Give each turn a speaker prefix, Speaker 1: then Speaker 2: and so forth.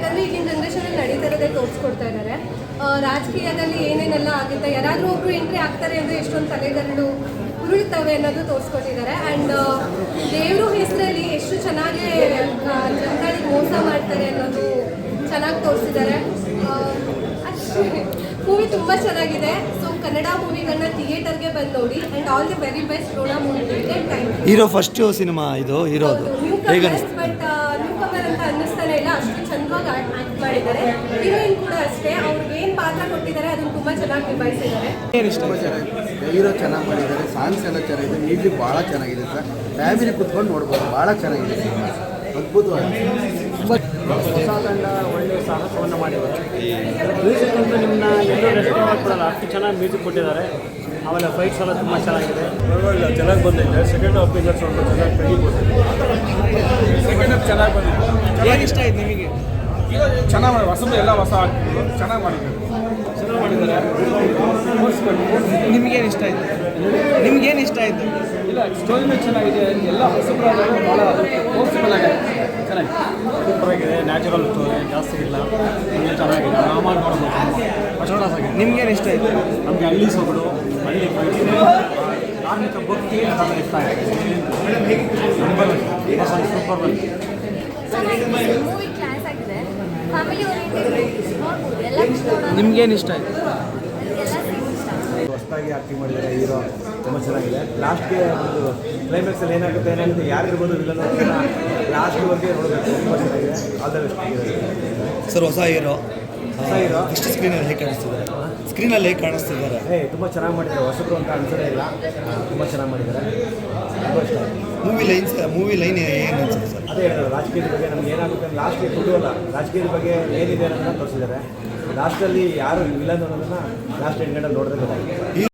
Speaker 1: ಯಾಕಂದರೆ ಈಗಿನ ಜನ್ರೇಷನಲ್ಲಿ ನಡೀತಾ ಇರೋದೇ ತೋರಿಸ್ಕೊಡ್ತಾ ಇದ್ದಾರೆ. ರಾಜಕೀಯದಲ್ಲಿ ಏನೇನೆಲ್ಲ ಆಗುತ್ತೆ, ಯಾರಾದರೂ ಒಬ್ಬರು ಎಂಟ್ರಿ ಆಗ್ತಾರೆ ಅಂದರೆ ಎಷ್ಟೊಂದು ತಲೆಗರಳು ಉರುಳ್ತವೆ ಅನ್ನೋದು ತೋರಿಸ್ಕೊಟ್ಟಿದ್ದಾರೆ. ಆ್ಯಂಡ್ ದೇವರು ಹೆಸರಲ್ಲಿ ಎಷ್ಟು ಚೆನ್ನಾಗಿ ಜನಗಳಿಗೆ ಮೋಸ ಮಾಡ್ತಾರೆ ಅನ್ನೋದು ಚೆನ್ನಾಗಿ ತೋರಿಸಿದ್ದಾರೆ. ಅಷ್ಟೇ, ಮೂವಿ ತುಂಬ ಚೆನ್ನಾಗಿದೆ. ಸೊ ಕನ್ನಡ ಮೂವಿಗಳನ್ನ ಥಿಯೇಟರ್ಗೆ ಬಂದು ನೋಡಿ. And all the very best Rona ಮೂವಿಗೆ.
Speaker 2: ಹೀರೋ ಫಸ್ಟ್ ಸಿನಿಮಾ ಇದು ಹೀರೋದು ಹೇಗೆ
Speaker 1: ಬಟ್ ನ್ಯೂ ಕಮರ್ ಅಂತ ಅನ್ನಿಸ್ತಾನೆ ಇಲ್ಲ, ಅಷ್ಟು ಚಂದವಾಗಿ ಆ್ಯಕ್ಟ್ ಮಾಡಿದ್ದಾರೆ. ಹೀರೋಯಿನ್ ಕೂಡ ಅಷ್ಟೇ, ಅವ್ರಿಗೆ ಏನು ಪಾತ್ರ ಕೊಟ್ಟಿದ್ದಾರೆ ಅದನ್ನು ತುಂಬ ಚೆನ್ನಾಗಿ ನಿಭಾಯಿಸಿದ್ದಾರೆ.
Speaker 3: ಹೀರೋ ಚೆನ್ನಾಗಿ ಮಾಡಿದ್ದಾರೆ, ಸಾಂಗ್ಸ್ ಎಲ್ಲ ಚೆನ್ನಾಗಿದೆ, ಮ್ಯೂಸಿಕ್ ಭಾಳ ಚೆನ್ನಾಗಿದೆ ಸರ್. ಫ್ಯಾಮಿಲಿ ಕುತ್ಕೊಂಡು ನೋಡ್ಬೋದು, ಭಾಳ ಚೆನ್ನಾಗಿದೆ ಸಿನಿಮಾ, ಅದ್ಭುತವಾಗಿದೆ.
Speaker 4: ಹೊಸ ತಂಡ ಒಳ್ಳೆಯ ಸಾಹಸವನ್ನು ಮಾಡಿದ್ದಾರೆ. ಮ್ಯೂಸಿಕ್ ಅಂತೂ ನಿಮ್ಮನ್ನ ಎಲ್ಲೂ ರೆಸ್ಪಾನ್ಸ್ ಕೊಡಲ್ಲ, ಅಷ್ಟು ಚೆನ್ನಾಗಿ ಮ್ಯೂಸಿಕ್ ಕೊಟ್ಟಿದ್ದಾರೆ. ಆಮೇಲೆ ಫೈಟ್ಸ್ ಎಲ್ಲ ತುಂಬ ಚೆನ್ನಾಗಿದೆ,
Speaker 5: ಪರವಾಗಿಲ್ಲ, ಚೆನ್ನಾಗಿ ಬಂದಿದೆ. ಸೆಕೆಂಡ್ ಹಾಫ್ ಇಂದ ಸ್ವಲ್ಪ ಚೆನ್ನಾಗಿ ತೆಗಿಬೋದು. ಸೆಕೆಂಡ್ ಹಾಫ್ ಚೆನ್ನಾಗಿ ಬಂದಿದೆ.
Speaker 4: ಏನು ಇಷ್ಟ ಆಯ್ತು ನಿಮಗೆ?
Speaker 5: ಚೆನ್ನಾಗಿ ಮಾಡಿ, ಹೊಸದು ಎಲ್ಲ ಹೊಸ ಆಗ್ತಿದ್ರು, ಚೆನ್ನಾಗಿ ಮಾಡಿದ್ದಾರೆ.
Speaker 4: ನಿಮಗೇನು ಇಷ್ಟ ಆಯಿತು? ನಿಮಗೇನು ಇಷ್ಟ ಆಯಿತು?
Speaker 5: ಇಲ್ಲ, ಸ್ಟೋರಿನೂ ಚೆನ್ನಾಗಿದೆ, ಎಲ್ಲ ಹೊಸಬ್ರಾದರೂ ಭಾಳ ಫೋರ್ಸ್ಫುಲ್ ಆಗಿದೆ, ಚೆನ್ನಾಗಿದೆ, ಸೂಪರ್ ಆಗಿದೆ. ನ್ಯಾಚುರಲ್ ಸ್ಟೋರಿ ಜಾಸ್ತಿ ಇಲ್ಲ, ಚೆನ್ನಾಗಿದೆ, ಆರಾಮಾಗಿ ನೋಡ್ಬೋದು. ಫಸ್ಟ್ ಆಗಿದೆ.
Speaker 4: ನಿಮ್ಗೇನು ಇಷ್ಟ ಆಯಿತು?
Speaker 5: ನಮಗೆ ಹಳ್ಳಿ ಸೊಗಡು, ಹಳ್ಳಿ ಧಾರ್ಮಿಕ ಭಕ್ತಿ ಅದೆಲ್ಲ ಇಷ್ಟ ಆಗಿದೆ. ಸೂಪರ್ ಬಂದಿದೆ.
Speaker 1: ಮೂವಿ ಕ್ಲಾಸ್ ಆಗಿದೆ, ಫ್ಯಾಮಿಲಿ ಓರಿಯೆಂಟೆಡ್ ನೋಡ್ಬೋದು, ಎಲ್ಲ ನೋಡೋಣ.
Speaker 4: ನಿಮ್ಗೇನು ಇಷ್ಟ ಆಯಿತು?
Speaker 6: ಹೊಸದಾಗಿ ಆ್ಯಕ್ಟಿಂಗ್ ಮಾಡಿದ್ದಾರೆ ಹೀರೋ, ತುಂಬ ಚೆನ್ನಾಗಿದೆ. ಲಾಸ್ಟ್ಗೆ ಒಂದು ಕ್ಲೈಮ್ಯಾಕ್ಸಲ್ಲಿ ಏನಾಗುತ್ತೆ ಯಾರಿರ್ಬೋದು ವಿಲನ್ ಲಾಸ್ಟ್ವರೆಗೆ ನೋಡಬೇಕು, ತುಂಬ ಚೆನ್ನಾಗಿದೆ. All the best
Speaker 2: sir. ಹೊಸ ಹೀರೋ
Speaker 6: ಇಷ್ಟು
Speaker 2: ಸ್ಕ್ರೀನಲ್ಲಿ ಹೇಗೆ ಕಾಣಿಸ್ತಿದ್ದಾರೆ? ಸ್ಕ್ರೀನಲ್ಲಿ ಹೇಗೆ ಕಾಣಿಸ್ತಿದ್ದಾರೆ?
Speaker 6: ತುಂಬ ಚೆನ್ನಾಗಿ ಮಾಡಿದ್ದಾರೆ, ಹೊಸಬ್ರು ಅಂತ ಅನ್ಸೋದೇ ಇಲ್ಲ, ತುಂಬ ಚೆನ್ನಾಗಿ ಮಾಡಿದ್ದಾರೆ, ತುಂಬ ಇಷ್ಟ ಆಯಿತು.
Speaker 2: ಮೂವಿ ಲೈನ್ ಏನು ಅನ್ಸುತ್ತೆ ಸರ್?
Speaker 6: ಅದೇ ಹೇಳಿದ್ರು, ರಾಜಕೀಯದ ಬಗ್ಗೆ ನಮ್ಗೆ ಏನಾಗುತ್ತೆ ಲಾಸ್ಟ್ಗೆ ಕೊಡುವಲ್ಲ, ರಾಜಕೀಯದ ಬಗ್ಗೆ ಏನಿದೆ ಅನ್ನೋದನ್ನ ತೋರಿಸಿದ್ದಾರೆ. ಲಾಸ್ಟಲ್ಲಿ ಯಾರು ವಿಲನ್ ಅನ್ನೋದನ್ನು ಲಾಸ್ಟ್ ಎಂಡ್ ಗಂಟಲ್ಲಿ ನೋಡಿದ್ರೆ ಗೊತ್ತಾಗಿದೆ.